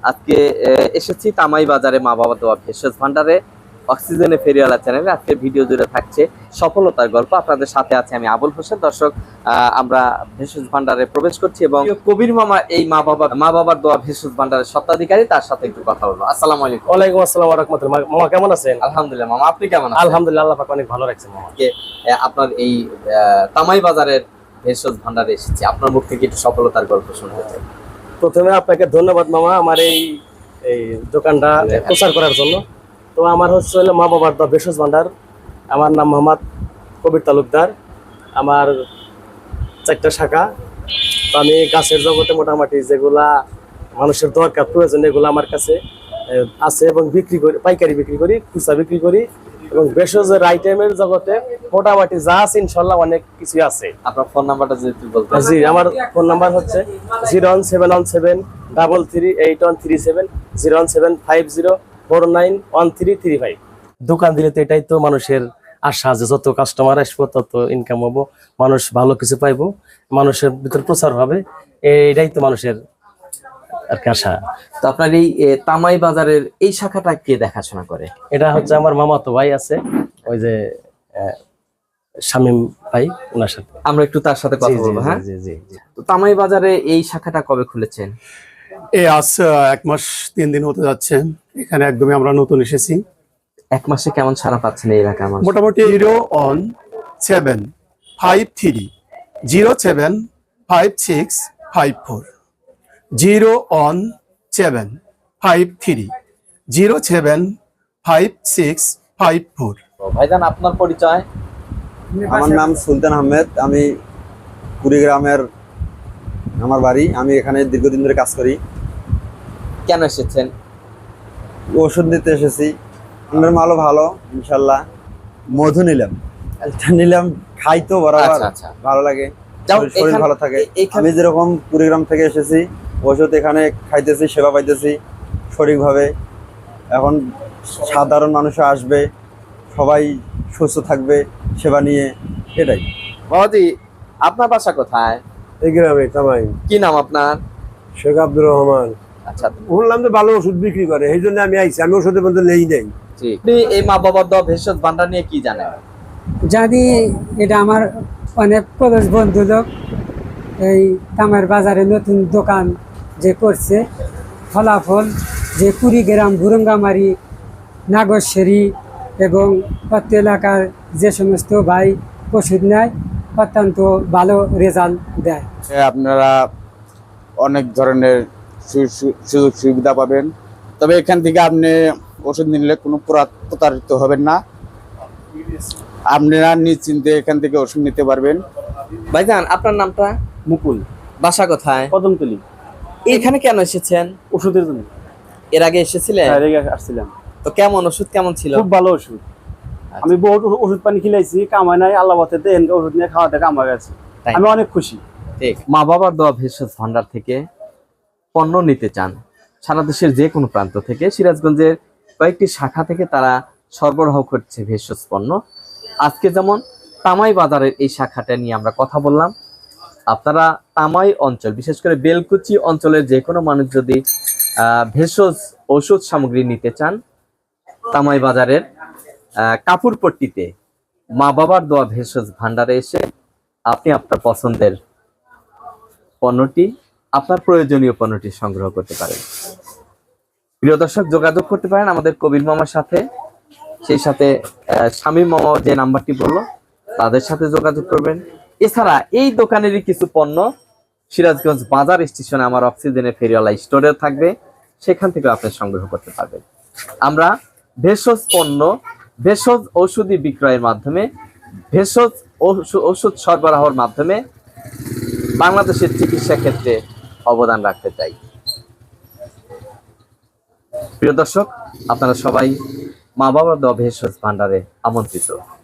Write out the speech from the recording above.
আজকে এসেছি তামাই বাজারে মা বাবা দোয়া ভেষজ ভান্ডারে অক্সিজেনে ফেরিওয়ালা চ্যানেলে। আজকে ভিডিও জুড়ে থাকছে সফলতার গল্প। আপনাদের সাথে আছে আমি আবুল হোসেন। দর্শক, আমরা ভেষজ ভান্ডারে প্রবেশ করছি এবং কবির মামা এই মা বাবার দোয়া ভেষজ ভান্ডারের স্বত্বাধিকারী, তার সাথে একটু কথা বলবো। আসসালামু আলাইকুম। ওয়ালাইকুম আসসালাম ওয়া রাহমাতুল্লাহ। মামা কেমন আছেন? আলহামদুলিল্লাহ মামা, আপনি কেমন আছেন? আলহামদুলিল্লাহ, আল্লাহ পাক অনেক ভালো রাখছেন মামা। আপনার এই তামাই বাজারের ভেষজ ভান্ডারে এসেছি, আপনার মুখ থেকে একটু সফলতার গল্প শুনতে চাই। প্রথমে আপনাকে ধন্যবাদ মামা আমার এই দোকানটা প্রচার করার জন্য। তো আমার হলো মা বাবার দোয়া ভেষজ ভান্ডার। আমার নাম মোহাম্মদ কবির তালুকদার। আমার 4টা শাখা। তো আমি গাছের জগতে মোটামুটি যেগুলা মানুষের দরকার প্রয়োজন এগুলো আমার কাছে আছে এবং বিক্রি করি, পাইকারি বিক্রি করি, খুচরা বিক্রি করি। এবং ভেষজের আইটেমের জগতে মোটামুটি যা আছে ইনশাল্লাহ অনেক কিছু আছে। আপনার ফোন নাম্বারটা যদি বলতে। জি, আমার ফোন নাম্বার হচ্ছে 01717338137, 01750491335। দোকান দিলে তো এটাই তো মানুষের আশা যে যত কাস্টমার আসবো তত ইনকাম হবো, মানুষ ভালো কিছু পাইবো, মানুষের ভিতর প্রচার হবে, এটাই তো মানুষের আর কি আশা। তো আপনার এই তামাই বাজারের এই শাখাটা কে দেখাশোনা করে? এটা হচ্ছে আমার মামাতো ভাই আছে, ওই যে শামীম ভাই, ওনার সাথে আমরা একটু তার সাথে কথা বলবো। হ্যাঁ, জি জি জি। তো তামাই বাজারে এই শাখাটা কবে খুলেছেন? আজ 1 মাস 3 দিন হতে যাচ্ছে। এখানে একদমই আমরা নতুন এসেছি। 1 মাসে কেমন সাড়া পাচ্ছেন এই এলাকার মানুষ? মোটামুটি 01753 075654, 01753 075654। ভাইজান, আপনার পরিচয়? আমার নাম সুলতান আহমেদ। আমি কুড়িগ্রামের আমার বাড়ি। আমি এখানে দীর্ঘদিন ধরে কাজ করি। কেন এসেছেন? ওষুধ নিতে এসেছি। আপনার মালও ভালো ইনশাল্লাহ। মধু নিলাম, এটা নিলাম, খাই তো বরাবর, ভালো লাগে, শরীর ভালো থাকে। আমি যেরকম কুড়িগ্রাম থেকে এসেছি, ওষুধ এখানে খাইতেছি, সেবা পাইতেছি সঠিকভাবে। এখন সাধারণ মানুষও আসবে, সবাই সুস্থ থাকবে সেবা নিয়ে, এটাই। বাবাজি, আপনার বাসা কোথায়? এই গ্রামে তামাই। কি নাম আপনার? শেখ আব্দুর রহমান। আচ্ছা, শুনলাম তো ভালো ওষুধ বিক্রি করে, এই জন্য আমি আইছি। আমি ওষুধের মধ্যে নেই নেই। আপনি এই মা বাবার দোয়া ভেষজ ভান্ডার নিয়ে কি জানেন? জানি এটা আমার অনেক প্রবেশ বন্ধু লোক এই তামার বাজারে নতুন দোকান যে করছে, ফলাফল যে কুড়িগ্রাম, বুরঙ্গামারি, নাগরশেরি এবং প্রত্যেক এলাকার যে সমস্ত ভাই ওষুধ নেয় অত্যন্ত ভালো রেজাল্ট দেয়। আপনারা অনেক ধরনের সুযোগ সুবিধা পাবেন। তবে এখান থেকে আপনি ওষুধ নিলে কোনো প্রতারিত হবেন না। আপনারা নিশ্চিন্তে এখান থেকে ওষুধ নিতে পারবেন। ভাইজান, আপনার নামটা? মুকুল। বাসা কোথায়? কদমতলি। এখানে কেন এসেছেন? ওষুধের জন্য। এর আগে এসেছিলেন? হ্যাঁ, আসছিলাম। তো কেমন ওষুধ কেমন ছিল? খুব ভালো ওষুধ। আমি বহুত ওষুধ পানি খিলাইছি, কামাই নাই, আল্লাহ বাতে দেন ওষুধ নিয়ে খাওয়াতে কামাই গেছে। আমি অনেক খুশি। ঠিক। মা বাবার দোয়া ভেষজ ভান্ডার থেকে পণ্য নিতে চান, সারা দেশের যে কোনো প্রান্ত থেকে, সিরাজগঞ্জের কয়েকটি শাখা থেকে তারা সরবরাহ করছে ভেষজ পণ্য। আজকে যেমন তামাই বাজারের এই শাখাটা নিয়ে আমরা কথা বললাম। আপনারা তামাই অঞ্চল, বিশেষ করে বেলকুচি অঞ্চলের যে কোনো মানুষ যদি ভেষজ ঔষধ সামগ্রী নিতে চান, তামাই বাজারের কাপুরপট্টিতে মা বাবার দোয়া ভেষজ ভান্ডারে এসে আপনি আপনার পছন্দের পণ্যটি, আপনার প্রয়োজনীয় পণ্যটি সংগ্রহ করতে পারেন। প্রিয় দর্শক, যোগাযোগ করতে পারেন আমাদের কবির মামার সাথে, সেই সাথে শামীম মামা যে নাম্বারটি বললো তাদের সাথে যোগাযোগ করবেন। এছাড়া এই দোকানেরই কিছু পণ্য সিরাজগঞ্জ বাজার স্টেশনে আমার অক্সিজেনের ফেরিওয়ালা স্টোরে থাকবে, সেখান থেকে আপনি সংগ্রহ করতে পারবেন। আমরা ভেষজ পণ্য, ভেষজ ঔষধি বিক্রয়ের মাধ্যমে, ভেষজ ওষুধ সরবরাহের মাধ্যমে বাংলাদেশের চিকিৎসা ক্ষেত্রে অবদান রাখতে চাই। প্রিয় দর্শক, আপনারা সবাই মা বাবার দোয়া ভেষজ ভান্ডারে আমন্ত্রিত।